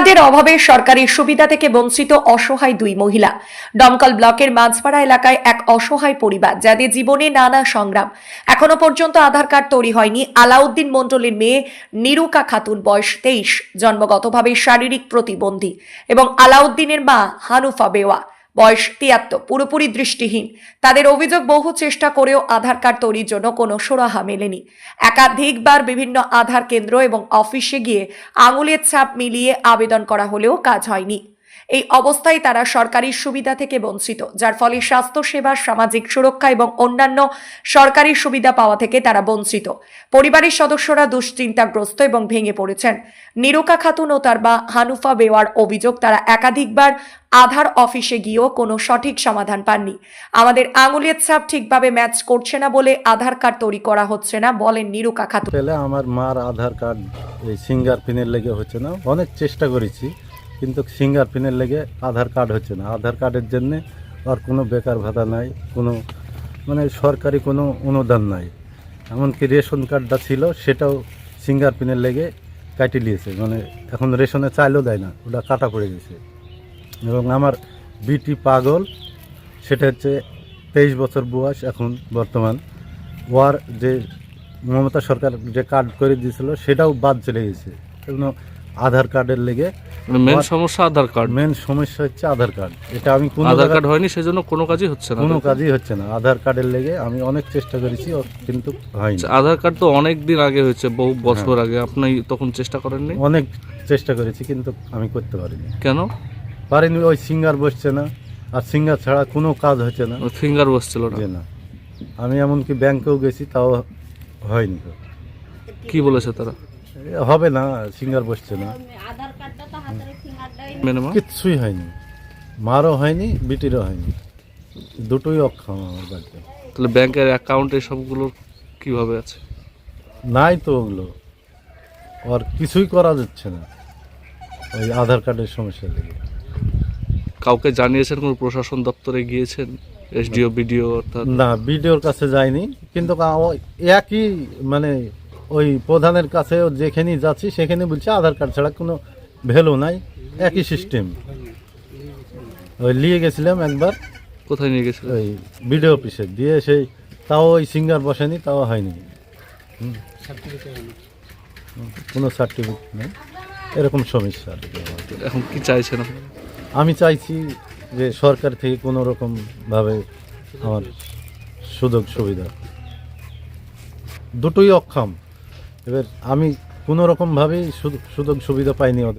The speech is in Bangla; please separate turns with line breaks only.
কার্ডের অভাবে সরকারি সুবিধা থেকে বঞ্চিত অসহায় দুই মহিলা। ডমকল ব্লকের মাঝপাড়া এলাকায় এক অসহায় পরিবার, যাদের জীবনে নানা সংগ্রাম। এখনো পর্যন্ত আধার কার্ড তৈরি হয়নি আলাউদ্দিন মণ্ডলের মেয়ে নিরুকা খাতুন, বয়স 23, জন্মগতভাবে শারীরিক প্রতিবন্ধী, এবং আলাউদ্দিনের মা হানুফা বেওয়া, বয়স 73, পুরোপুরি দৃষ্টিহীন। তাদের অভিযোগ, বহু চেষ্টা করেও আধার কার্ড তৈরির জন্য কোনো সুরাহা মেলেনি। একাধিকবার বিভিন্ন আধার কেন্দ্র এবং অফিসে গিয়ে আঙুলের ছাপ মিলিয়ে আবেদন করা হলেও কাজ হয়নি। এই অবস্থায় তারা সরকারি সুবিধা থেকে বঞ্চিত, যার ফলে স্বাস্থ্যসেবা, সামাজিক সুরক্ষা এবং অন্যান্য সরকারি সুবিধা পাওয়া থেকে তারা বঞ্চিত। পরিবারের সদস্যরা দুশ্চিন্তাগ্রস্ত এবং ভেঙে পড়েছেন। নিরুকা খাতুন ও তার মা হানুফা বেওয়ার অভিযোগ, তারা একাধিকবার আধার অফিসে গিয়েও কোনো সঠিক সমাধান পাননি। আমাদের আঙুলের ছাপ ঠিকভাবে ম্যাচ করছে না বলে আধার কার্ড তৈরি করা হচ্ছে না, বলেন নিরুকা খাতুন।
আমার মার আধার কার্ড এই ফিঙ্গারপ্রিন্টের লেগে হচ্ছে না। অনেক চেষ্টা করেছি, কিন্তু ফিঙ্গারপ্রিন্টের লেগে আধার কার্ড হচ্ছে না। আধার কার্ডের জন্যে আর কোনো বেকার ভাতা নাই, কোনো সরকারি কোনো অনুদান নাই। এমনকি রেশন কার্ডটা ছিল, সেটাও ফিঙ্গারপ্রিন্টের লেগে কাটি নিয়েছে। এখন রেশনে চাইলেও দেয় না, ওটা কাটা পড়ে গেছে। এবং আমার বিটি পাগল, সেটা হচ্ছে 23 বছর বয়স এখন বর্তমান। ওর যে মমতা সরকার যে কার্ড করে দিয়েছিল, সেটাও বাদ চলে গেছে। এগুলো আধার কার্ডের লেগে
মেন সমস্যা আধার কার্ড।
মেন সমস্যা হচ্ছে আধার কার্ড। এটা আমি
আধার কার্ড হয়নি, সেজন্য কোনো কাজই হচ্ছে না।
কোনো কাজই হচ্ছে না আধার কার্ডের লেগে। আমি অনেক চেষ্টা করেছি, কিন্তু হয়নি।
আধার কার্ড তো অনেক দিন আগে হয়েছে, বহু বছর আগে। আপনি তখন চেষ্টা করেননি?
অনেক চেষ্টা করেছি, কিন্তু আমি করতে পারিনি।
কেন
পারিনি? ওই সিঙ্গার বসছে না, আর সিঙ্গার ছাড়া কোনো কাজ হচ্ছে না।
ফিঙ্গার বসছিল না?
না, আমি এমনকি ব্যাংকেও গেছি, তাও হয়নি।
কি বলেছে তারা?
হবে না, সিঙ্গার বসছে না, কিচ্ছুই হয়নি। মারও হয়নি, বিটিরও হয়নি, দুটোই অক্ষম আমার বাড়িতে।
তাহলে ব্যাংকের অ্যাকাউন্টে সবগুলো কিভাবে আছে?
নাই তো ওগুলো, আর কিছুই করা যাচ্ছে না ওই আধার কার্ডের সমস্যা লেগে।
কাউকে জানিয়েছেন? কোনো প্রশাসন দপ্তরে গিয়েছেন? SDO, BDO? অর্থাৎ
না, বিডিওর কাছে যাইনি, কিন্তু একই ওই প্রধানের কাছে যেখানেই যাচ্ছি সেখানে বলছে আধার কার্ড ছাড়া কোনো ভ্যালু নাই, একই সিস্টেম। ওই নিয়ে গেছিলাম একবার।
কোথায় নিয়ে গেছিলেন?
ওই বিডিও অফিসে দিয়ে, তাও ওই সিঙ্গার বসেনি, তাও হয়নি। কোনো সার্টিফিকেট নেই, এরকম সমস্যা।
এখন কি চাইছেন?
আমি চাইছি যে সরকার থেকে কোনো রকমভাবে আমার সুযোগ সুবিধা। দুটোই অক্ষম, এবার আমি কোনো রকমভাবেই সুযোগ সুবিধা পাইনি।